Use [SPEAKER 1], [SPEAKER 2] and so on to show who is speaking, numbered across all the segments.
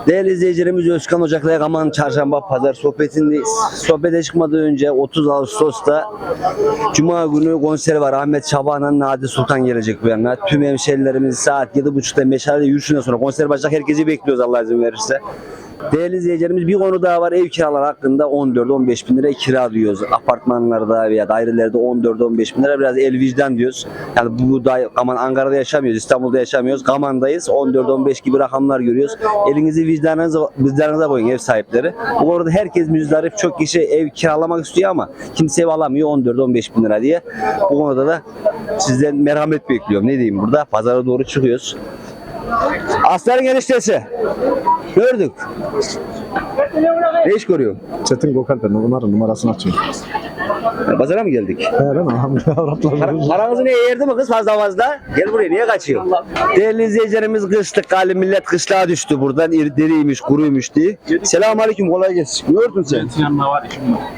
[SPEAKER 1] Değerli izleyicilerimiz, Özkan Ocak'la Yaman Çarşamba Pazar sohbetindeyiz. Sohbete çıkmadan önce 30 Ağustos'ta Cuma günü konseri var. Ahmet Şaban'la Nadi Sultan gelecek bu yana. Tüm hemşehrilerimiz saat 7.30'da Meşale yürüyüşünden sonra konser başlayacak. Herkesi bekliyoruz Allah izin verirse. Değerli izleyicilerimiz, bir konu daha var. Ev kiraları hakkında 14-15 bin lira kira diyoruz. Apartmanlarda veya dairelerde 14-15 bin lira, biraz el vicdan diyoruz. Yani bu da Ankara'da yaşamıyoruz, İstanbul'da yaşamıyoruz. Kaman'dayız. 14-15 gibi rakamlar görüyoruz. Elinizi vicdanınıza koyun ev sahipleri. Bu konuda herkes müzdarip. Çok kişi ev kiralamak istiyor ama kimse ev alamıyor 14-15 bin lira diye. Bu konuda da sizden merhamet bekliyorum. Ne diyeyim burada? Pazara doğru çıkıyoruz. Aslanın eniştesi. Gördük. Ne iş görüyor?
[SPEAKER 2] Çetin Gökalp'in numarasını açıyor.
[SPEAKER 1] Pazara mı geldik?
[SPEAKER 2] He lan hamile
[SPEAKER 1] Paranızı niye yerdi mi kız fazla? Gel buraya, niye kaçıyor? Değerli izleyicilerimiz, kışlık galiba millet kışlığa düştü buradan. Deriymiş, kuruymuş diye. Selamünaleyküm, kolay gelsin. Ne gördün sen?
[SPEAKER 3] Yanına var işim var.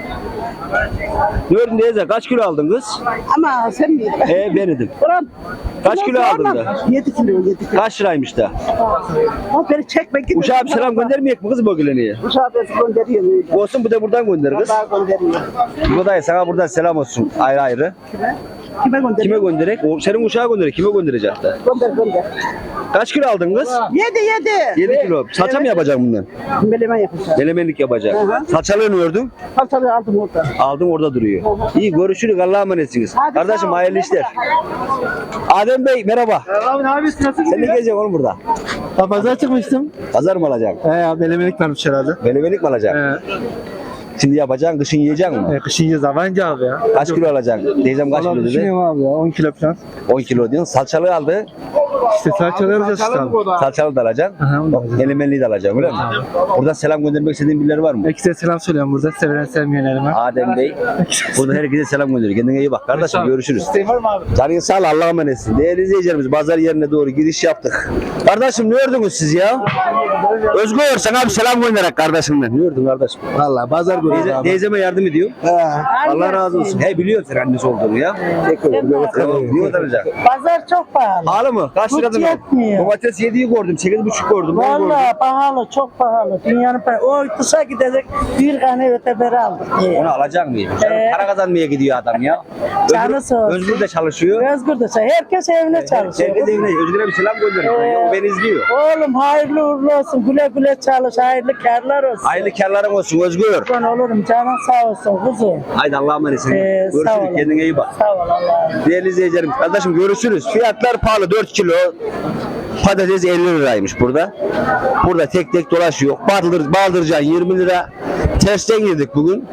[SPEAKER 1] Ne gördün teyze? Kaç kilo aldın kız?
[SPEAKER 4] Ama sen miydin?
[SPEAKER 1] Ben idim.
[SPEAKER 4] Ulan.
[SPEAKER 1] Kaç kilo aldın da?
[SPEAKER 4] 7 kilo, 7 kilo.
[SPEAKER 1] Kaç liraymış da?
[SPEAKER 4] O beni çekme git.
[SPEAKER 1] Uşağa bir selam göndermeyecek mi kız bu güleniye?
[SPEAKER 4] Uşağı ben gönderiyorum öyle.
[SPEAKER 1] Olsun, bu da buradan gönder kız.
[SPEAKER 4] Vallahi gönderiyorum.
[SPEAKER 1] Bu da sana buradan selam olsun ayrı ayrı.
[SPEAKER 4] Kime gönderiyorum?
[SPEAKER 1] Kime gönderek? Senin uşağa gönderek. Kime gönderecek de?
[SPEAKER 4] Gönder.
[SPEAKER 1] Kaç kilo aldın kız?
[SPEAKER 4] 7.
[SPEAKER 1] 7 kilo. Salça mı yapacaksın bundan?
[SPEAKER 4] Melemen yapacağım.
[SPEAKER 1] Melemenlik yapacaksın. Salçalığı ne ördün?
[SPEAKER 4] Paltalı aldım orada.
[SPEAKER 1] Aldım, orada duruyor. İyi, görüşürüz. Allah'a emanetsiniz.
[SPEAKER 4] Hadi,
[SPEAKER 1] Kardeşim
[SPEAKER 4] sağ ol.
[SPEAKER 1] hayırlı işler. Adem Bey merhaba.
[SPEAKER 2] Abi ne yapıyorsun? Nasıl
[SPEAKER 1] Sen ne geleceksin oğlum burada?
[SPEAKER 2] Ya pazara çıkmıştım.
[SPEAKER 1] Pazar mı alacaksın?
[SPEAKER 2] Abi elemelik varmış herhalde.
[SPEAKER 1] Melemenlik mi alacaksın? Şimdi yapacaksın, kışın yiyeceksin mi?
[SPEAKER 2] Kışın yiyeceğiz avancı abi ya.
[SPEAKER 1] Kaç kilo alacaksın? Teyzem kaç kilo dedi?
[SPEAKER 2] Düşünüyorum abi ya 10 kilo falan.
[SPEAKER 1] 10 kilo diyorsun. Salçalığı aldı.
[SPEAKER 2] İşte salçalı alacağız işte abi.
[SPEAKER 1] Salçalı da alacaksın.
[SPEAKER 2] Aha, onu da alacağım.
[SPEAKER 1] Melemenliği de alacaksın, öyle mi? Buradan selam göndermek istediğin birileri var mı?
[SPEAKER 2] Herkese selam söylüyorum burada. Sevenen sevmeyenlerime.
[SPEAKER 1] Adem Bey. Burada herkese selam gönderiyor. Kendine iyi bak. Kardeşim görüşürüz.
[SPEAKER 2] İsteğin var mı abi?
[SPEAKER 1] Canın sağ ol, Allah'a emanetsin. Değerli izleyicilerimiz, pazar yerine doğru giriş yaptık. Kardeşim ne ördünüz siz ya? Özgür, sana bir selam gönderek kardeşimden. Ne ördün kardeşim?
[SPEAKER 2] Valla pazar günü abi.
[SPEAKER 1] Teyzeme yardım ediyor. Allah razı olsun. He, biliyor sen annesi olduğunu ya. Niye utanacak?
[SPEAKER 4] Pazar çok pahalı.
[SPEAKER 1] Pahalı mı? Kaç liradan?
[SPEAKER 4] Hiç yetmiyor.
[SPEAKER 1] Domates 7'yi gördüm, 8,5 gördüm. Ben gördüm.
[SPEAKER 4] Vallahi pahalı, çok pahalı. Dünyanın pahalı. O kısa gidecek bir tane öteberi aldık.
[SPEAKER 1] Onu alacak mıyım? Para kazanmaya gidiyor adam ya.
[SPEAKER 4] Canı sağ olsun.
[SPEAKER 1] Özgür de çalışıyor.
[SPEAKER 4] Özgür de çalışıyor. Herkes evine çalışıyor.
[SPEAKER 1] Herkes evine. Özgür'e bir selam gönderin. O beni izliyor.
[SPEAKER 4] Oğlum hayırlı uğurlu olsun. Güle güle çalış. Hayırlı kârlar olsun.
[SPEAKER 1] Hayırlı kârların olsun Özgür.
[SPEAKER 4] Ben olurum. Canın sağ olsun kuzum.
[SPEAKER 1] Haydi Allah'a emanetsin.
[SPEAKER 4] Sağ
[SPEAKER 1] Görüşürüz.
[SPEAKER 4] olun.
[SPEAKER 1] Kendine iyi bak.
[SPEAKER 4] Sağ ol Allah'a.
[SPEAKER 1] Değerli izleyicilerim, kardeşim görüşürüz. Fiyatlar pahalı. 4 kilo patates 50 liraymış burada. Burada tek tek dolaşıyor. Baldırcan 20 lira. Tersten girdik bugün.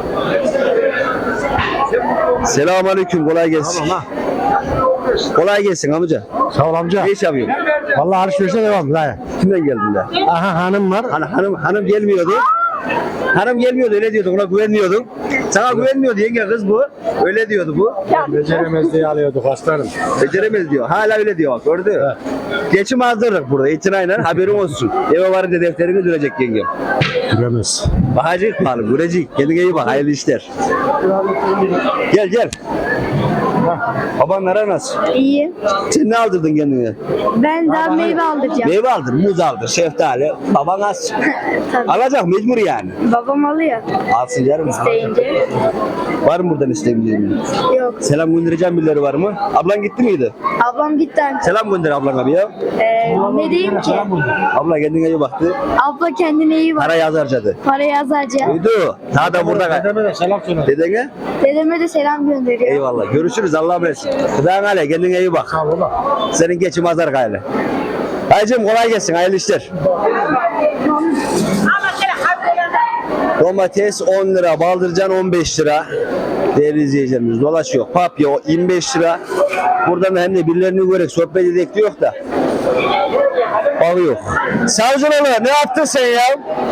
[SPEAKER 1] Selamünaleyküm, kolay gelsin. Kolay gelsin amca.
[SPEAKER 2] Sağ ol amca.
[SPEAKER 1] Ne iş yapıyorsun?
[SPEAKER 2] Valla alışverişe devam. Lan.
[SPEAKER 1] Kimden geldin de?
[SPEAKER 2] Aha hanım var.
[SPEAKER 1] Hanım gelmiyordu. Hanım gelmiyordu, öyle diyordun, ona güvenmiyordun. Sana güvenmiyordu yenge, kız bu. Öyle diyordu bu.
[SPEAKER 2] Beceremez diye alıyorduk aslanım.
[SPEAKER 1] Beceremez diyor. Hala öyle diyor bak, gördün mü? Geçim azdırdık burada, itinayla haberin olsun. Eve varınca defterini dürecek yengem.
[SPEAKER 2] Göremez.
[SPEAKER 1] Bakacak pahalı, görecek. Kendine iyi bak, hayırlı işler. Gel. Babanlara nasıl?
[SPEAKER 5] İyi.
[SPEAKER 1] Sen ne aldırdın kendine?
[SPEAKER 5] Ben daha meyve aldıracağım.
[SPEAKER 1] Meyve aldın, muz aldın, şeftali. Baban az.
[SPEAKER 5] Tabii.
[SPEAKER 1] Alacak, mecbur yani.
[SPEAKER 5] Babam alıyor
[SPEAKER 1] Alsın canım.
[SPEAKER 5] deyince.
[SPEAKER 1] Var mı buradan isteyebileceğin?
[SPEAKER 5] Yok.
[SPEAKER 1] Selam göndereceğim birileri var mı? Ablan gitti miydi?
[SPEAKER 5] Ablam gitti.
[SPEAKER 1] Selam gönder ablana bir ya.
[SPEAKER 5] Ne diyeyim ki?
[SPEAKER 1] Abla kendine iyi baktı.
[SPEAKER 5] Abla kendine iyi bak.
[SPEAKER 1] Para yaz harcadı.
[SPEAKER 5] Para yazacağım.
[SPEAKER 1] Duydu. Daha da burada.
[SPEAKER 2] Dedeme de selam söyle.
[SPEAKER 1] Dedene?
[SPEAKER 5] Dedeme de selam gönderiyor.
[SPEAKER 1] Eyvallah. Görüşürüz. Allah'a emanet. Gıdan hale. Kendine iyi bak.
[SPEAKER 2] Sağ ol baba.
[SPEAKER 1] Senin geçim azar gayle. Hacım kolay gelsin. Hayırlı işler. Domates 10 lira. Baldırcan 15 lira. Değerli izleyicilerimiz dolaşıyor. Papya 25 lira. Buradan hem de birilerini görerek sohbet edek diyor da. Alıyor. Savcıoğlu ne yaptın sen ya?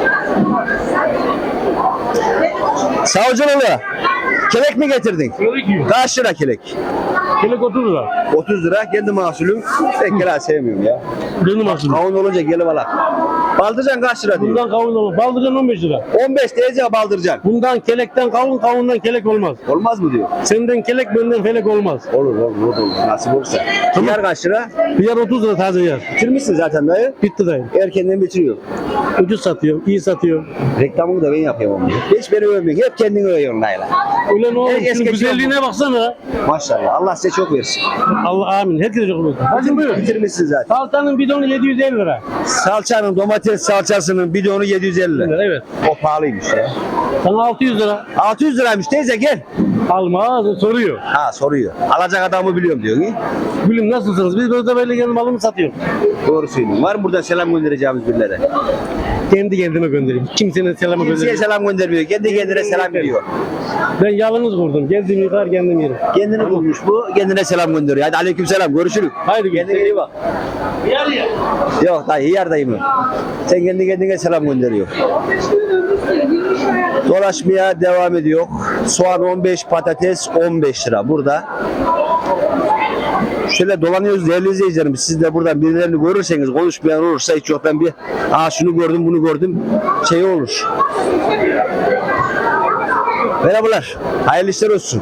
[SPEAKER 1] Savcıoğlu kelek mi getirdin? Kaç lira kelek?
[SPEAKER 2] Kelek 30 lira.
[SPEAKER 1] 30 lira kendi mahsulüm. Ben kelek sevmiyorum ya.
[SPEAKER 2] Benim aslında.
[SPEAKER 1] Kavun olunca gelip alak. Baldırcan kaç lira diyor?
[SPEAKER 2] Bundan kavun olur. Baldırcan 15 lira.
[SPEAKER 1] 15 diyeceğim baldırcan.
[SPEAKER 2] Bundan kelekten kavun, kavundan kelek olmaz.
[SPEAKER 1] Olmaz mı diyor?
[SPEAKER 2] Senden kelek, benden felek olmaz.
[SPEAKER 1] Olur. Nasip olursa. Hıyar kaç lira?
[SPEAKER 2] Hıyar 30 lira taze hıyar.
[SPEAKER 1] Bitirmişsin zaten dayı.
[SPEAKER 2] Bitti dayı.
[SPEAKER 1] Erkenden bitiriyor.
[SPEAKER 2] Ucuz satıyor, iyi satıyor.
[SPEAKER 1] Reklamını da ben yapıyorum onu. Hiç beni övmüyorsun. Hep kendini övüyorsun dayılar.
[SPEAKER 2] Öyle ne olur?
[SPEAKER 1] Herkes
[SPEAKER 2] Şunun
[SPEAKER 1] geçiyor
[SPEAKER 2] güzelliğine baksana.
[SPEAKER 1] Maşallah. Allah size çok versin.
[SPEAKER 2] Allah amin. Herkese çok olsun. Hadi buyur.
[SPEAKER 1] Bitirmişsin zaten.
[SPEAKER 2] Salçanın bidonu 750 lira.
[SPEAKER 1] Salçanın, domates salçasının bidonu 750 lira.
[SPEAKER 2] Evet.
[SPEAKER 1] O pahalıymış ya.
[SPEAKER 2] Sana 600 lira.
[SPEAKER 1] 600 liraymış teyze gel.
[SPEAKER 2] Alma soruyor.
[SPEAKER 1] Ha soruyor. Alacak adamı biliyorum diyor ki.
[SPEAKER 2] Gülüm nasılsınız? Biz böyle böyle gelin malımı satıyoruz.
[SPEAKER 1] Doğru söylüyorsun. Var mı burada selam göndereceğimiz birilere?
[SPEAKER 2] Kendi kendime göndereyim. Kimsenin selamı
[SPEAKER 1] Kimseye
[SPEAKER 2] göndereyim.
[SPEAKER 1] selam göndermiyor. Kendi kendine selam veriyor.
[SPEAKER 2] Ben yalnız kurdum. Kendim yıkar kendim yerim.
[SPEAKER 1] Kendini bulmuş bu. Kendine selam gönderiyor. Hadi aleyküm selam. Görüşürüz.
[SPEAKER 2] Haydi
[SPEAKER 1] Kendine iyi bak. Yok dayı yer dayı mı? Sen kendi kendine selam gönderiyor. Dolaşmaya devam ediyor. Soğan 15, patates 15 lira. Burada şöyle dolanıyoruz değerli izleyicilerim. Siz de buradan birilerini görürseniz, konuşmayan olursa hiç yok ben bir şunu gördüm bunu gördüm şey olur. Merhabalar. Hayırlı işler olsun.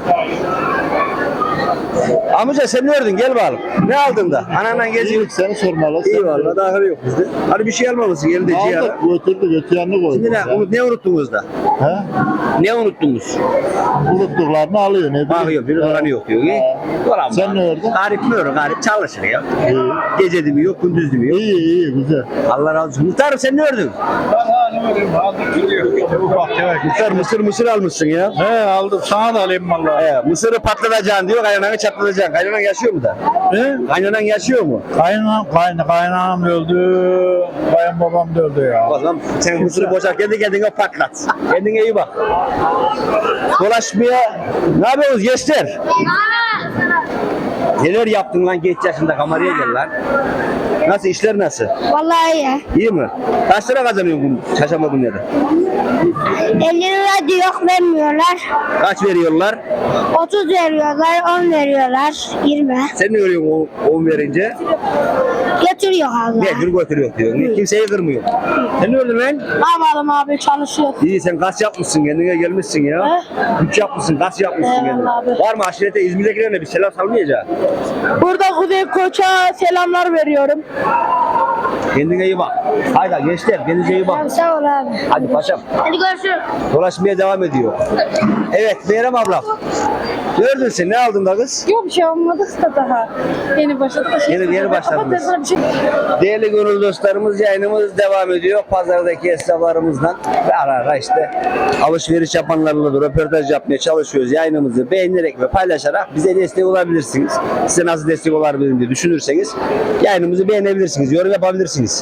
[SPEAKER 1] Amca sen ne gördün? Gel bakalım. Ne aldın da? Ananla geziyorsun.
[SPEAKER 3] Seni sormalı.
[SPEAKER 1] İyi valla daha yok bizde. Hani bir şey almamışsın elinde ciğer.
[SPEAKER 3] Aldık götürdük öte yanına koyduk.
[SPEAKER 1] Şimdi ne unuttunuz da?
[SPEAKER 3] He?
[SPEAKER 1] Ne unuttunuz?
[SPEAKER 3] Unuttuklarını alıyor ne bileyim.
[SPEAKER 1] Bakıyor bir oranı yok diyor. Dolan
[SPEAKER 3] Sen ne gördün?
[SPEAKER 1] Garip mi öyle? Garip çalışır ya.
[SPEAKER 3] İyi.
[SPEAKER 1] Gece de mi yok, gündüz de mi yok?
[SPEAKER 3] İyi güzel.
[SPEAKER 1] Allah razı olsun. Muhtarım sen ne gördün? Muhtar mısır almışsın ya.
[SPEAKER 3] He aldım sana da alayım valla.
[SPEAKER 1] Mısırı patlatacaksın diyor, kaynananı çatlatacaksın. Kaynanan yaşıyor mu da?
[SPEAKER 3] He?
[SPEAKER 1] Kaynanan yaşıyor mu?
[SPEAKER 3] Kaynağım öldü. Kayınbabam da öldü ya.
[SPEAKER 1] O zaman sen mısırı boşalt, kendi kendine patlat. Kendine iyi bak. Dolaşmaya, ne yapıyorsunuz gençler? Neler yaptın lan genç yaşında, kameraya gel lan. Nasıl, işler nasıl?
[SPEAKER 5] Vallahi iyi.
[SPEAKER 1] İyi mi? Kaç lira kazanıyorsun bu çarşamba günleri?
[SPEAKER 5] 50 lira diyor vermiyorlar.
[SPEAKER 1] Kaç veriyorlar?
[SPEAKER 5] 30 veriyorlar, 10 veriyorlar, 20.
[SPEAKER 1] Sen ne veriyorsun 10 verince?
[SPEAKER 5] Götürüyor Allah.
[SPEAKER 1] Ne götürüyor diyor. Kimseyi kırmıyor. Sen ne ördün lan?
[SPEAKER 5] Ne yapalım abi, çalışıyor.
[SPEAKER 1] İyi, sen kas yapmışsın, kendine gelmişsin ya. Güç yapmışsın, kas yapmışsın kendine.
[SPEAKER 5] Eyvallah abi.
[SPEAKER 1] Var mı aşirete, İzmir'dekilerine bir selam salmayacak?
[SPEAKER 4] Burada Kuzey Koç'a selamlar veriyorum.
[SPEAKER 1] Kendine iyi bak. Haydi gençler, kendinize iyi bak.
[SPEAKER 5] Sağ ol abi.
[SPEAKER 1] Hadi paşam.
[SPEAKER 5] Hadi görüşürüz.
[SPEAKER 1] Dolaşmaya devam ediyor. Evet, Meyrem ablam. Gördün sen, ne aldın da kız?
[SPEAKER 4] Yok bir şey olmadık da daha. Yeni başladık.
[SPEAKER 1] Yeni başladınız.
[SPEAKER 4] Kapatırsan bir şey.
[SPEAKER 1] Değerli gönül dostlarımız, yayınımız devam ediyor. Pazardaki esnaflarımızdan ve ara ara işte alışveriş yapanlarla da röportaj yapmaya çalışıyoruz. Yayınımızı beğenerek ve paylaşarak bize destek olabilirsiniz. Size nasıl destek olabilirim diye düşünürseniz yayınımızı beğenebilirsiniz, yorum yapabilirsiniz.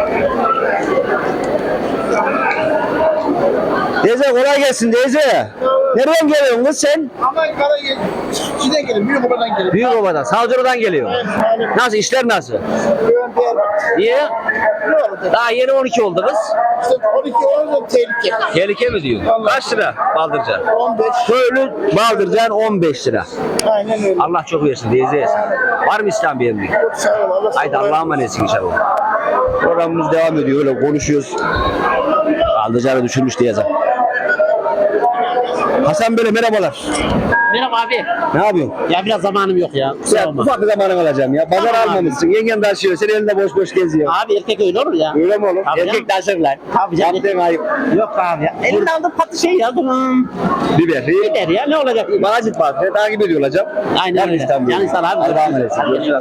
[SPEAKER 1] Teyze kolay gelsin teyze. Nereden geliyorsun kız sen?
[SPEAKER 3] Amerika'da Çin'den gelin. Büyük obadan gelin.
[SPEAKER 1] Büyükoba'dan, Savcılar'dan geliyor. Nasıl, işler nasıl? Niye? Daha yeni 12 oldu kız.
[SPEAKER 3] İşte 12 olunca tehlike.
[SPEAKER 1] Tehlike mi diyor? Kaç lira baldırcan?
[SPEAKER 3] 15.
[SPEAKER 1] Köylü baldırcan 15 lira.
[SPEAKER 3] Aynen öyle.
[SPEAKER 1] Allah çok versin teyze. Var mı İslam bir emri?
[SPEAKER 3] Sağ ol. Allah
[SPEAKER 1] Haydi Allah'a emanetsin inşallah. Programımız devam ediyor, öyle konuşuyoruz. Baldırcanı düşürmüş diye yazar. Hasan Bey'le merhabalar.
[SPEAKER 6] Merhaba abi.
[SPEAKER 1] Ne yapıyorsun?
[SPEAKER 6] Ya biraz zamanım yok ya. Kusura
[SPEAKER 1] Ya,
[SPEAKER 6] bakma.
[SPEAKER 1] ufak bir zamanın alacağım ya. Pazar
[SPEAKER 6] Tamam abi.
[SPEAKER 1] almamışsın. Yengen taşıyor. Sen elinde boş boş geziyor.
[SPEAKER 6] Abi erkek öyle olur ya.
[SPEAKER 1] Öyle mi oğlum?
[SPEAKER 6] Tabii
[SPEAKER 1] Erkek taşırlar.
[SPEAKER 6] Tabii canım.
[SPEAKER 1] Yaptığın ayıp.
[SPEAKER 6] Yok abi ya. Elinde aldığım patlı şey ya. Bunun.
[SPEAKER 1] Biber.
[SPEAKER 6] Gider ya, ne olacak?
[SPEAKER 1] Magazin var. Seni takip ediyor olacağım.
[SPEAKER 6] Aynen
[SPEAKER 1] Yarın
[SPEAKER 6] öyle.
[SPEAKER 1] İstanbul'da.
[SPEAKER 6] Yani sana abi.
[SPEAKER 1] Hadi devam edelim. Görüşürüz.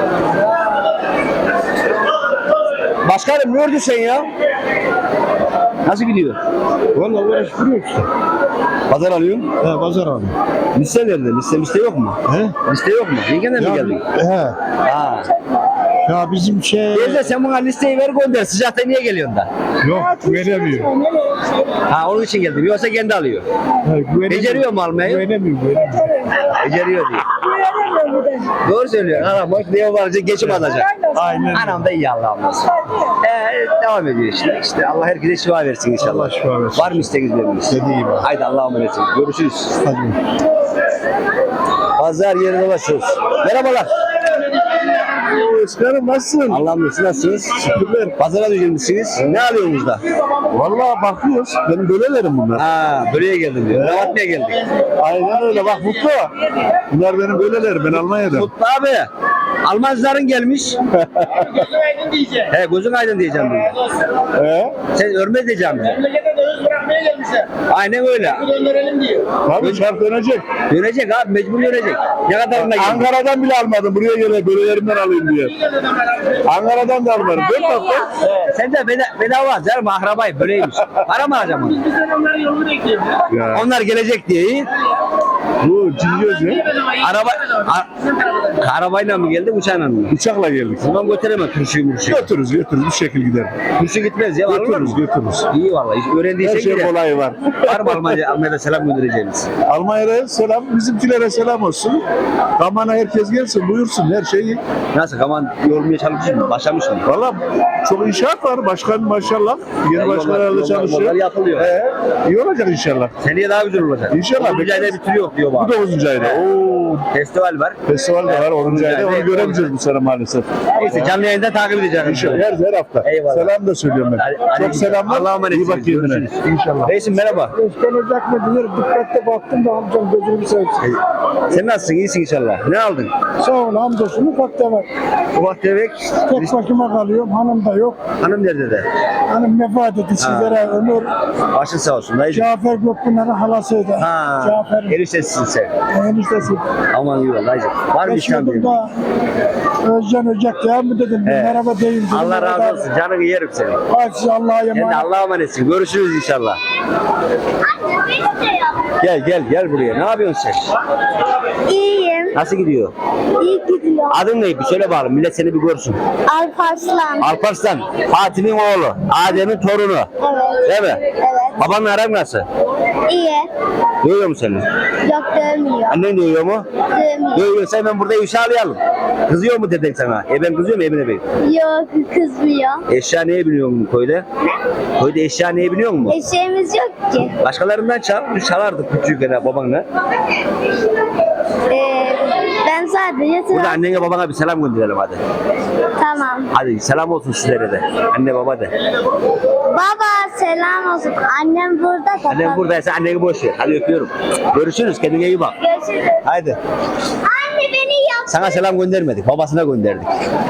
[SPEAKER 1] Başkanım ne ördün sen ya? Nasıl gidiyor?
[SPEAKER 2] Valla uğraştırıyor işte.
[SPEAKER 1] Pazar alıyorsun.
[SPEAKER 2] He pazar abi.
[SPEAKER 1] Liste nerede? Liste yok mu?
[SPEAKER 2] He?
[SPEAKER 1] Liste yok mu? Yengenden mi geldin?
[SPEAKER 2] He.
[SPEAKER 1] Ha.
[SPEAKER 2] Ya bizim şey
[SPEAKER 1] Teyze sen bana listeyi ver gönder. Sıcakta niye geliyorsun da?
[SPEAKER 2] yok veremiyor.
[SPEAKER 1] Ha onun için geldim. Yoksa kendi alıyor. Beceriyor mu almayı?
[SPEAKER 2] Güvenemiyor.
[SPEAKER 1] Beceriyor diye. Doğru söylüyorsun. Anam bak ne varınca geçim alacak.
[SPEAKER 2] Aynen.
[SPEAKER 1] Anam da iyi Allah'ım olsun. Devam ediyor işte. İşte Allah herkese şifa versin inşallah.
[SPEAKER 2] Allah şifa versin.
[SPEAKER 1] Var mı isteğiniz veriniz?
[SPEAKER 2] İstediği var.
[SPEAKER 1] Haydi Allah'a emanetsiniz. Görüşürüz.
[SPEAKER 2] Hadi.
[SPEAKER 1] Pazar yerine dolaşıyoruz. Merhabalar.
[SPEAKER 2] Özkan'ım nasılsın?
[SPEAKER 1] Allah'ım nasıl nasılsınız?
[SPEAKER 2] Şükürler.
[SPEAKER 1] Pazara düşürmüşsünüz. Ne alıyorsunuz da?
[SPEAKER 2] Vallahi bakıyoruz. Benim bölelerim bunlar.
[SPEAKER 1] Ha, buraya geldim diyor. Ne yapmaya geldik?
[SPEAKER 2] Aynen öyle. Bak Mutlu. Bunlar benim bölelerim. Ben Almanya'da.
[SPEAKER 1] Mutlu abi. Almancıların gelmiş. He, gözün aydın diyeceğim bunu. Sen örmez diyeceğim bize.
[SPEAKER 3] Memlekete döviz bırakmaya gelmişler.
[SPEAKER 1] Aynen öyle.
[SPEAKER 3] Bu döndürelim diyor.
[SPEAKER 2] Tabii şart dönecek.
[SPEAKER 1] Dönecek abi, mecbur dönecek. Ne kadarına geldi?
[SPEAKER 2] Ankara'dan bile almadım. Buraya gele bölelerimden alayım diye. Ankara'dan da almadım. 4 hafta.
[SPEAKER 1] Sen de bedava canım, akrabayı böyleymiş. Para mı harcama?
[SPEAKER 3] Biz onların yolunu bekliyoruz.
[SPEAKER 2] Ya.
[SPEAKER 1] Onlar gelecek diye iyi.
[SPEAKER 2] Bu cingöz ne?
[SPEAKER 1] Arabayla mı geldi, uçağla mı?
[SPEAKER 2] Uçakla geldik.
[SPEAKER 1] Bundan götüremem turşuyu murşuyu.
[SPEAKER 2] Götürürüz bir şekil gider.
[SPEAKER 1] Turşu gitmez ya, alır mı?
[SPEAKER 2] Götürürüz.
[SPEAKER 1] İyi vallahi, öğrendiysen
[SPEAKER 2] Her şey
[SPEAKER 1] gider.
[SPEAKER 2] kolayı var.
[SPEAKER 1] Var mı Almanya'da selam göndereceğiniz?
[SPEAKER 2] Almanya'ya selam, bizimkilere selam olsun. Kamana herkes gelsin, buyursun her şeyi.
[SPEAKER 1] Nasıl, Kaman yormaya çalışmış mı? Başlamış mı?
[SPEAKER 2] Valla çok inşaat var. Başkan maşallah. Yeni başkanlarla
[SPEAKER 1] yollar
[SPEAKER 2] çalışıyor.
[SPEAKER 1] yapılıyor.
[SPEAKER 2] İyi olacak inşallah.
[SPEAKER 1] Seneye daha güzel olacak.
[SPEAKER 2] İnşallah.
[SPEAKER 1] 9. ayda bitiriyor diyor
[SPEAKER 2] Bu
[SPEAKER 1] bana.
[SPEAKER 2] 9. ayda. Oo.
[SPEAKER 1] Festival var.
[SPEAKER 2] Festival de var 10. ayda.
[SPEAKER 1] ayda,
[SPEAKER 2] Onu göremeyeceğiz bu sene maalesef.
[SPEAKER 1] Neyse, canlı yayında takip edeceğim.
[SPEAKER 2] İnşallah her hafta.
[SPEAKER 1] Eyvallah.
[SPEAKER 2] Selam da söylüyorum ben. Çok selamlar.
[SPEAKER 1] Allah'a emanet.
[SPEAKER 2] İyi bak kendine. İnşallah.
[SPEAKER 1] Reisim merhaba.
[SPEAKER 4] Özkan Ocak mı diyor, dikkatle baktım da amcam gözünü seveyim.
[SPEAKER 1] Sen nasılsın? İyisin inşallah. Ne aldın?
[SPEAKER 4] Sağ ol hamdolsun, ufakta var.
[SPEAKER 1] Ufak tefek.
[SPEAKER 4] Tek başıma kalıyorum, hanım da yok.
[SPEAKER 1] Hanım nerede de?
[SPEAKER 4] Hanım vefat etti, sizlere ömür.
[SPEAKER 1] Başın sağ olsun dayıcım.
[SPEAKER 4] Cafer Gökpınar'ın halasıydı.
[SPEAKER 1] Ha,
[SPEAKER 4] Cafer'in
[SPEAKER 1] erişesisin sen.
[SPEAKER 4] eniştesi.
[SPEAKER 1] Aman iyi ol dayıcım. Var mı İslam
[SPEAKER 4] Geçiyordum
[SPEAKER 1] diyor?
[SPEAKER 4] da Özcan Ocak ya mı dedim,
[SPEAKER 1] Evet.
[SPEAKER 4] merhaba deyin. dedim.
[SPEAKER 1] Allah razı olsun. Canını yerim seni.
[SPEAKER 4] Hadi size Allah'a
[SPEAKER 1] Sen de
[SPEAKER 4] emanet.
[SPEAKER 1] Allah'a emanetsin. Görüşürüz inşallah. Gel buraya. Ne yapıyorsun sen?
[SPEAKER 5] İyiyim.
[SPEAKER 1] Nasıl gidiyor?
[SPEAKER 5] İyi gidiyor.
[SPEAKER 1] Adın ne? Bir söyle bakalım. Millet seni bir görsün.
[SPEAKER 5] Alparslan.
[SPEAKER 1] Alparslan. Fatih'in oğlu. Adem'in torunu.
[SPEAKER 5] Evet.
[SPEAKER 1] Değil mi?
[SPEAKER 5] Evet.
[SPEAKER 1] Babanla aran nasıl?
[SPEAKER 5] İyi.
[SPEAKER 1] Dövüyor mu seni?
[SPEAKER 5] Yok dövmüyor.
[SPEAKER 1] Annen dövüyor mu?
[SPEAKER 5] Dövmüyor.
[SPEAKER 1] Dövüyorsa hemen burada ifşalayalım. Kızıyor mu dedin sana? Ben kızıyor mu Emine Bey?
[SPEAKER 5] Yok kızmıyor.
[SPEAKER 1] Eşya neye biniyor mu köyde? Köyde eşya neye biniyor mu?
[SPEAKER 5] Eşeğimiz yok ki.
[SPEAKER 1] Başkalarından çal. Biz çalardık küçükken babanla.
[SPEAKER 5] Ben sadece
[SPEAKER 1] Burada
[SPEAKER 5] sıra...
[SPEAKER 1] annene babana bir selam gönderelim hadi.
[SPEAKER 5] Tamam.
[SPEAKER 1] Hadi selam olsun sizlere de. Anne baba de.
[SPEAKER 5] Baba selam olsun. Annem burada da.
[SPEAKER 1] Annem buradaysa anneni boş ver. Hadi öpüyorum. Görüşürüz. Kendine iyi bak.
[SPEAKER 5] Görüşürüz.
[SPEAKER 1] Haydi.
[SPEAKER 5] Anne beni yap.
[SPEAKER 1] Sana selam göndermedik. Babasına gönderdik.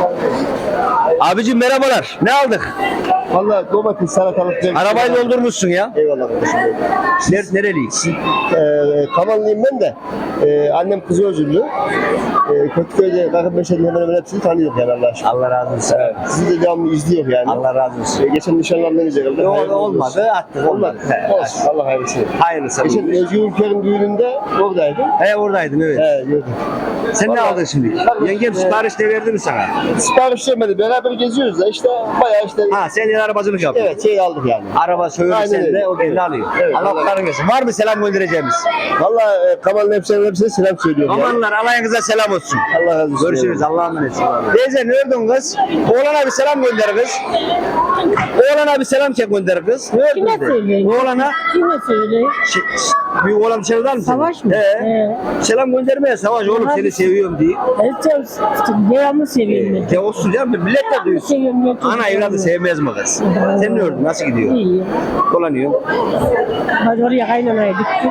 [SPEAKER 1] Abicim merhabalar. Ne aldık?
[SPEAKER 3] Valla domates, salatalık.
[SPEAKER 1] Arabayı doldurmuşsun ya.
[SPEAKER 3] Eyvallah kardeşim.
[SPEAKER 1] Nereliyiz?
[SPEAKER 3] Kamanlıyım ben de. Annem kızı özürlü. Kötüköy'de Kakıp Meşe'nin hemen hemen hepsini tanıyor yani Allah aşkına.
[SPEAKER 1] Allah razı olsun.
[SPEAKER 3] Sizi de devamlı izliyor yani.
[SPEAKER 1] Allah razı olsun.
[SPEAKER 3] Geçen nişanlanmayınca herhalde.
[SPEAKER 1] Yok,
[SPEAKER 3] Hayırlı
[SPEAKER 1] olmadı.
[SPEAKER 3] olsun.
[SPEAKER 1] Attık.
[SPEAKER 3] Olmadı. Olsun. Allah hayırlısı.
[SPEAKER 1] Hayırlısı.
[SPEAKER 3] Geçen Özgür Ülker'in düğününde oradaydım.
[SPEAKER 1] Oradaydım evet.
[SPEAKER 3] Gördüm.
[SPEAKER 1] Sen ne
[SPEAKER 3] Vallahi-
[SPEAKER 1] aldın şimdi? Yengem sipariş de verdi mi sana?
[SPEAKER 3] Sipariş vermedi. Beraber geziyoruz da işte bayağı işte.
[SPEAKER 1] Ha sen de arabacılık yapıyorsun.
[SPEAKER 3] Evet şey aldık yani.
[SPEAKER 1] Araba söylüyor
[SPEAKER 3] Aynen
[SPEAKER 1] sen de
[SPEAKER 3] öyle.
[SPEAKER 1] o kendi
[SPEAKER 3] Evet.
[SPEAKER 1] alıyor.
[SPEAKER 3] Evet,
[SPEAKER 1] Allah
[SPEAKER 3] vallahi.
[SPEAKER 1] kurtarın gelsin. Var mı selam göndereceğimiz?
[SPEAKER 3] Valla Kamal'ın hepsine selam söylüyorum. yani.
[SPEAKER 1] Amanlar alayınıza selam olsun.
[SPEAKER 3] Allah razı olsun.
[SPEAKER 1] Görüşürüz. Allah'a emanet. Teyze ne ördün kız? Oğlana bir selam gönder kız. Oğlana bir selam çek gönder kız. Ne ördün
[SPEAKER 4] Kime
[SPEAKER 1] de?
[SPEAKER 4] söyleyeyim?
[SPEAKER 1] Oğlana
[SPEAKER 4] Kime söyleyeyim?
[SPEAKER 1] bir oğlan dışarıdan mı?
[SPEAKER 4] Savaş mı?
[SPEAKER 1] Selam göndermeye Savaş oğlum seni seviyorum diye.
[SPEAKER 4] Devamlı seviyorum.
[SPEAKER 1] De olsun canım millet de duysun.
[SPEAKER 4] Seviyorum.
[SPEAKER 1] Ana evladı sevmez mi kız? Sen ne ördün? Nasıl gidiyor?
[SPEAKER 4] İyi.
[SPEAKER 1] Dolanıyor.
[SPEAKER 4] Hadi oraya kaynanaya gittik.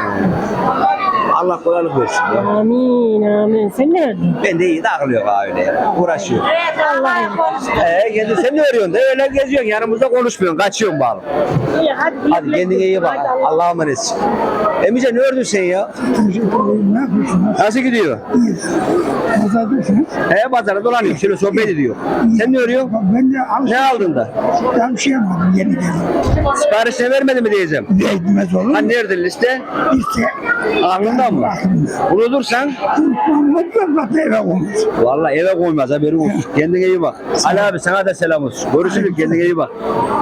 [SPEAKER 1] Allah kolaylık versin. Ya.
[SPEAKER 4] Amin amin. Sen ne ördün?
[SPEAKER 1] Ben de iyi takılıyor öyle ya. Uğraşıyor.
[SPEAKER 4] Allah'ım.
[SPEAKER 1] Kendi sen ne örüyorsun da öyle geziyorsun yanımızda konuşmuyorsun. Kaçıyorsun bağlı.
[SPEAKER 4] İyi hadi.
[SPEAKER 1] Hadi kendine iyi bak. Allah'a emanetsin. Emice ne ördün sen ya?
[SPEAKER 4] Ne yapıyorsun?
[SPEAKER 1] Nasıl gidiyor?
[SPEAKER 4] Pazardasınız.
[SPEAKER 1] Pazara dolanıyorum. Şöyle sohbet ediyor. Sen ne örüyorsun?
[SPEAKER 4] Ben de
[SPEAKER 1] Ne aldın da?
[SPEAKER 4] Ben bir şey yapmadım yeni geldim.
[SPEAKER 1] Siparişini vermedi mi diyeceğim.
[SPEAKER 4] Değmez olur.
[SPEAKER 1] Ha nerede liste?
[SPEAKER 4] İşte.
[SPEAKER 1] Aklından mı? Unutursan
[SPEAKER 4] Mutlaka eve olmaz.
[SPEAKER 1] vallahi eve koymaz haberin olsun. Kendine iyi bak. Ali abi sana da selam olsun. Görüşürüz kendine iyi bak.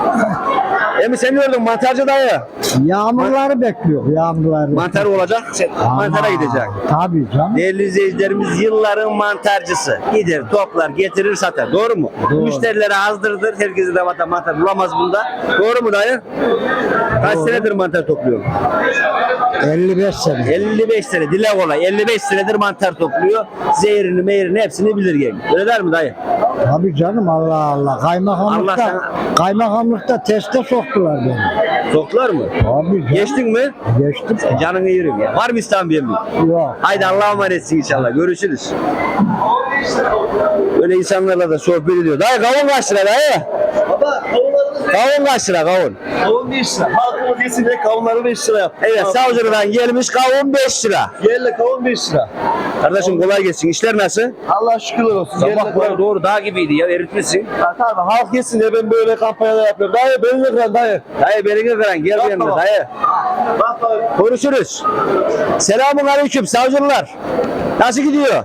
[SPEAKER 1] Emi sen ne ördün mantarcı dayı?
[SPEAKER 4] Yağmurları bekliyor. Yağmurları.
[SPEAKER 1] Mantar olacak. Sen mantara gidecek.
[SPEAKER 4] Tabii canım.
[SPEAKER 1] Değerli izleyicilerimiz yılların mantarcısı. Gider, toplar, getirir, satar. Doğru mu? Müşterilere azdırdır. Herkese de mantar bulamaz bunda. Doğru mu dayı? Kaç senedir mantar topluyorsun?
[SPEAKER 7] 55 sene.
[SPEAKER 1] 55 sene dile kolay. 55 senedir mantar topluyor. Zehrini meyrini hepsini bilir gelin. Öyle der mi dayı?
[SPEAKER 7] Tabii canım, Allah Allah.
[SPEAKER 1] Allah sana-
[SPEAKER 7] Kaymakamlıkta teste soktular beni.
[SPEAKER 1] Soktular mı?
[SPEAKER 7] Abi canım.
[SPEAKER 1] Geçtin mi?
[SPEAKER 7] Geçtim.
[SPEAKER 1] Canını yerim ya. Var mı İstanbul'ya mı?
[SPEAKER 7] Yok.
[SPEAKER 1] Haydi Allah'a emanetsin inşallah. Görüşürüz. Böyle insanlarla da sohbet ediyor. Dayı kavun kaç lira dayı?
[SPEAKER 3] Baba kavunlarımız
[SPEAKER 1] Kavun kaç lira kavun?
[SPEAKER 3] kavun 5 lira. Halkımız yesin diye kavunları 5 lira yap.
[SPEAKER 1] Evet savcılıktan gelmiş kavun 5 lira.
[SPEAKER 3] Yerle kavun 5 lira.
[SPEAKER 1] Kardeşim kolay gelsin. İşler nasıl?
[SPEAKER 3] Allah şükürler olsun.
[SPEAKER 1] Sabah
[SPEAKER 3] Yerle
[SPEAKER 1] kadar
[SPEAKER 3] kavun.
[SPEAKER 1] doğru dağ gibiydi ya eritmişsin.
[SPEAKER 3] Ha, tamam halk yesin diye ben böyle kampanyalar yapıyorum. Dayı beni de kıran dayı.
[SPEAKER 1] Dayı beni gören gel
[SPEAKER 3] Bak
[SPEAKER 1] yanına
[SPEAKER 3] baba.
[SPEAKER 1] dayı.
[SPEAKER 3] Bak bak.
[SPEAKER 1] Konuşuruz. Selamun aleyküm savcılar. Nasıl gidiyor?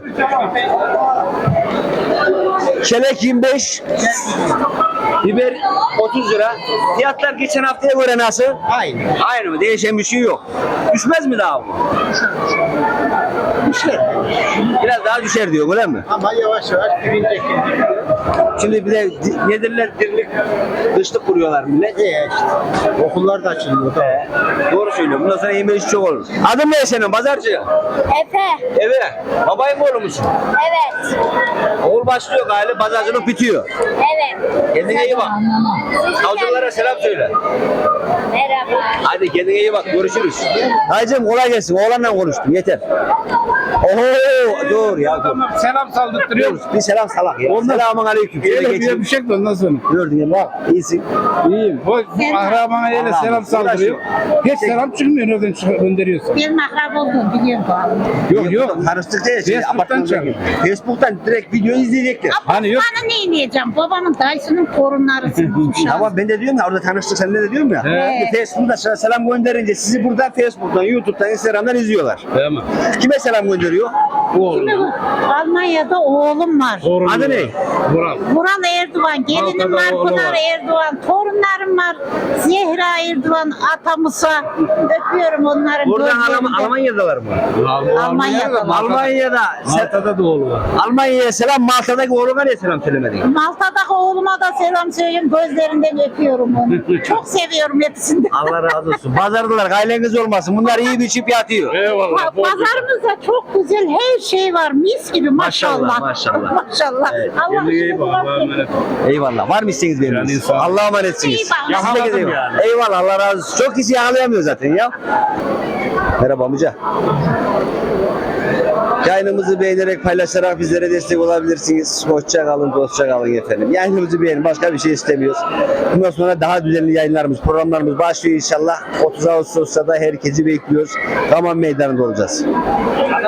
[SPEAKER 1] Çelek 25. Biber 30 lira. Fiyatlar geçen haftaya göre nasıl?
[SPEAKER 6] Aynı.
[SPEAKER 1] Aynı mı? Değişen bir şey yok. Düşmez mi daha bu?
[SPEAKER 6] Düşer.
[SPEAKER 1] Biraz daha düşer diyor öyle mi?
[SPEAKER 6] Ama yavaş yavaş dibindeki.
[SPEAKER 1] Şimdi bir de ne derler dirlik dışlık kuruyorlar millet.
[SPEAKER 6] İşte. Okullar da açılıyor.
[SPEAKER 1] Doğru söylüyorum. Bundan sonra yemeği çok olur. Adın ne senin pazarcı?
[SPEAKER 5] Efe.
[SPEAKER 1] Evet. Babayın oğlu musun?
[SPEAKER 5] Evet.
[SPEAKER 1] Oğul başlıyor galiba pazarcılık bitiyor.
[SPEAKER 5] Evet.
[SPEAKER 1] Kendine iyi bak. Savcılara selam söyle.
[SPEAKER 5] Merhaba.
[SPEAKER 1] Hadi kendine iyi bak. Görüşürüz. Dayıcığım kolay gelsin. Oğlanla konuştum. Yeter. Oho dur ya dur.
[SPEAKER 2] Selam saldırtırıyor.
[SPEAKER 1] Dur, bir selam salak ya. Selamun aleyküm. Şöyle
[SPEAKER 2] Öyle
[SPEAKER 1] geçeyim.
[SPEAKER 2] bir şey de ondan sonra.
[SPEAKER 1] Gördün ya bak. İyisin.
[SPEAKER 2] İyiyim. Bu akrabana öyle
[SPEAKER 1] Allah
[SPEAKER 2] selam
[SPEAKER 1] Allah.
[SPEAKER 2] saldırıyor. Hiç selam çıkmıyor nereden gönderiyorsun.
[SPEAKER 5] Benim akrab oldum biliyorum bu.
[SPEAKER 2] Yok yok.
[SPEAKER 1] Tanıştık diye. Şey,
[SPEAKER 2] Facebook'tan
[SPEAKER 1] apartmanda
[SPEAKER 2] çağır.
[SPEAKER 1] gibi. Facebook'tan direkt video izleyecekler.
[SPEAKER 2] Hani yok.
[SPEAKER 5] Bana ne diyeceğim? Babamın dayısının torunlarısın.
[SPEAKER 1] Ama ben de diyorum ya orada tanıştık sen de diyorum ya.
[SPEAKER 2] Evet.
[SPEAKER 1] Şimdi Facebook'ta sana selam gönderince sizi burada Facebook'tan, YouTube'dan, Instagram'dan izliyorlar.
[SPEAKER 2] Tamam.
[SPEAKER 1] Kime selam gönderiyor?
[SPEAKER 5] Almanya'da oğlum var.
[SPEAKER 1] Adı ne?
[SPEAKER 2] Vural.
[SPEAKER 5] Vural Erdoğan, gelinim var,
[SPEAKER 2] Malta'da oğlu
[SPEAKER 5] Pınar
[SPEAKER 2] var.
[SPEAKER 5] Erdoğan, torunlarım var. Zehra Erdoğan, Atamus'a öpüyorum onların
[SPEAKER 1] Buradan
[SPEAKER 5] gözlerinden.
[SPEAKER 1] Almanya'dalar mı?
[SPEAKER 5] Almanya'da.
[SPEAKER 1] Almanya'da.
[SPEAKER 2] Malta'da da oğlu var.
[SPEAKER 1] Almanya'ya selam, Malta'daki oğluna niye selam söylemedin?
[SPEAKER 5] Malta'daki oğluma da selam söyleyeyim. Gözlerinden öpüyorum onu. Çok seviyorum hepsini.
[SPEAKER 1] Allah razı olsun. Pazardılar, aileniz olmasın. Bunlar iyi bir çip yatıyor.
[SPEAKER 2] Eyvallah.
[SPEAKER 5] Pazarımızda çok güzel her şey var. Mis gibi maşallah.
[SPEAKER 1] Maşallah.
[SPEAKER 5] Maşallah.
[SPEAKER 1] Evet.
[SPEAKER 5] Allah
[SPEAKER 2] Kendine iyi
[SPEAKER 5] işinizi
[SPEAKER 2] bak.
[SPEAKER 5] rast
[SPEAKER 2] Allah'a emanet ol.
[SPEAKER 1] Eyvallah. Var mı isteğiniz benim?
[SPEAKER 2] Yani sağ ol.
[SPEAKER 1] Allah'a emanetsiniz.
[SPEAKER 5] İyi bak.
[SPEAKER 1] Siz de
[SPEAKER 2] Yakaladım
[SPEAKER 1] eyvallah.
[SPEAKER 2] yani.
[SPEAKER 1] Eyvallah. Allah razı olsun. Çok kişi yakalayamıyor zaten ya. Merhaba amca. Yayınımızı beğenerek paylaşarak bizlere destek olabilirsiniz. Hoşça kalın, dostça kalın efendim. Yayınımızı beğenin. Başka bir şey istemiyoruz. Bundan sonra daha düzenli yayınlarımız, programlarımız başlıyor inşallah. 30 Ağustos'ta da herkesi bekliyoruz. Kaman Meydanı'nda olacağız.